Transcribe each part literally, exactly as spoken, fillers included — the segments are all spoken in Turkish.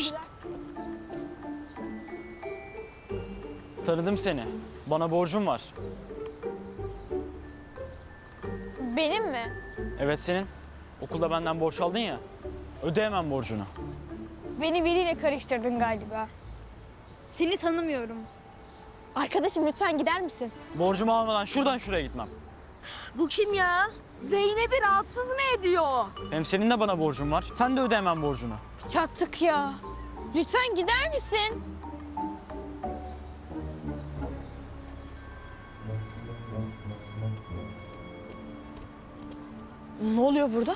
Pişt. Tanıdım seni. Bana borcun var. Benim mi? Evet senin. Okulda benden borç aldın ya. Ödeyemem borcunu. Beni biriyle karıştırdın galiba. Seni tanımıyorum. Arkadaşım lütfen gider misin? Borcumu almadan şuradan şuraya gitmem. Bu kim ya? Zeynep'i rahatsız mı ediyor? Hem senin de bana borcun var. Sen de ödeyemem borcunu. Çattık ya. Lütfen gider misin? Ne oluyor burada?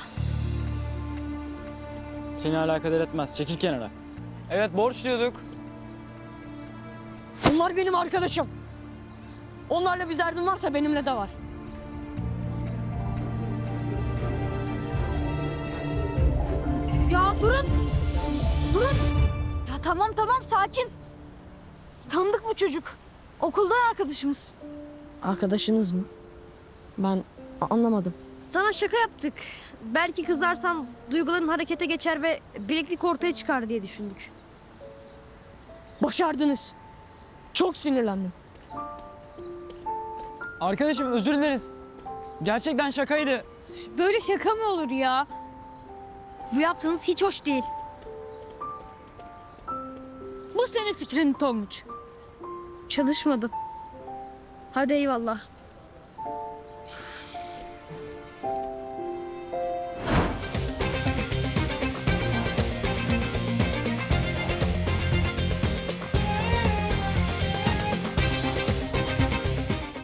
Seni alakadar etmez. Çekil kenara. Evet borç diyorduk. Onlar benim arkadaşım. Onlarla bir derdin varsa benimle de var. Ya durun. Durun. Ya tamam tamam sakin. Tanıdık bu çocuk. Okuldan arkadaşımız. Arkadaşınız mı? Ben anlamadım. Sana şaka yaptık. Belki kızarsan duyguların harekete geçer ve bileklik ortaya çıkar diye düşündük. Başardınız. Çok sinirlendim. Arkadaşım özür dileriz. Gerçekten şakaydı. Böyle şaka mı olur ya? Bu yaptığınız hiç hoş değil. Bu senin fikrin Tonguç. Çalışmadı. Hadi eyvallah.